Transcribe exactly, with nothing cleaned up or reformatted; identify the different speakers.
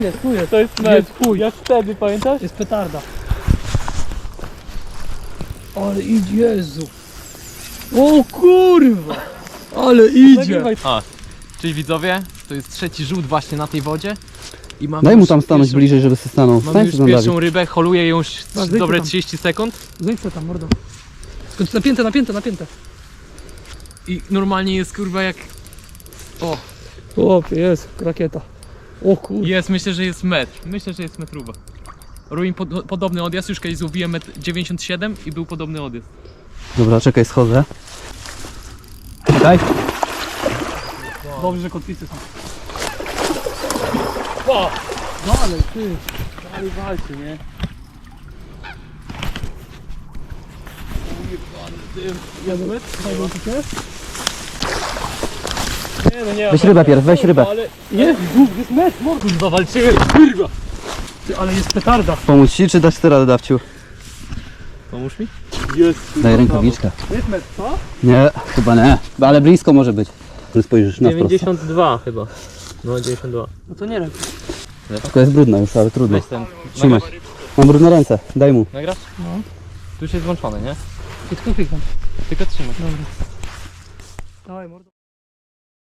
Speaker 1: Jest, tu jest.
Speaker 2: To jest mecz.
Speaker 1: Jest chuj.
Speaker 2: Jak wtedy, pamiętasz?
Speaker 1: Jest petarda. Ale idzie, Jezu. O kurwa. Ale idzie.
Speaker 2: Nagrywaj.
Speaker 3: A, cześć widzowie, to jest trzeci rzut właśnie na tej wodzie. I mamy
Speaker 4: Daj mu
Speaker 3: już
Speaker 4: tam stanąć
Speaker 3: pierwszą,
Speaker 4: bliżej, żeby się stanął.
Speaker 3: Mamy
Speaker 4: Stań
Speaker 3: już
Speaker 4: się tam,
Speaker 3: pierwszą
Speaker 4: Dawid.
Speaker 3: rybę, holuję ją już
Speaker 1: Masz, zejdź
Speaker 3: dobre
Speaker 1: tam.
Speaker 3: trzydzieści sekund.
Speaker 1: Zejdź se tam, mordo. Tylko napięte, napięte, napięte.
Speaker 3: I normalnie jest kurwa jak... O,
Speaker 1: Chłopie, jest rakieta. O kurwa.
Speaker 3: jest, myślę, że jest metr. Myślę, że jest metrówa. Robimy pod, podobny odjazd, już kiedyś złowiłem metr dziewięćdziesiąt siedem i był podobny odjazd.
Speaker 4: Dobra, czekaj, schodzę. Czekaj.
Speaker 1: Dobrze, że kotwicy są. Dalej, ty.
Speaker 2: Ale walczy, nie?
Speaker 1: Jadomet? Jadomet?
Speaker 2: Nie no nie.
Speaker 4: Weź rybę pierw, weź rybę.
Speaker 2: Ale
Speaker 1: Jest, dwóch, jest mecz, mordo.
Speaker 2: kurwa walczymy, kurwa.
Speaker 1: Ty, ale jest petarda.
Speaker 4: Pomóc ci, czy dać ty radę, Dawciu?
Speaker 3: Pomóż mi?
Speaker 2: Jest.
Speaker 4: Daj rękawiczkę.
Speaker 1: Jest mecz, co?
Speaker 4: Nie, chyba nie. Ale blisko może być. Spojrzysz na wprost.
Speaker 3: dziewięćdziesiąt dwa chyba. No dziewięćdziesiąt dwa.
Speaker 1: No to nie wiem.
Speaker 4: Tylko jest brudna już, ale trudno.
Speaker 3: Weź ten.
Speaker 4: Trzymaj. Mam brudne ręce, daj mu.
Speaker 3: Nagrasz?
Speaker 1: No.
Speaker 3: Tu już jest włączony, nie?
Speaker 1: I tylko klikam.
Speaker 3: Tylko trzymaj.
Speaker 1: Dobra. Dawaj, mordo.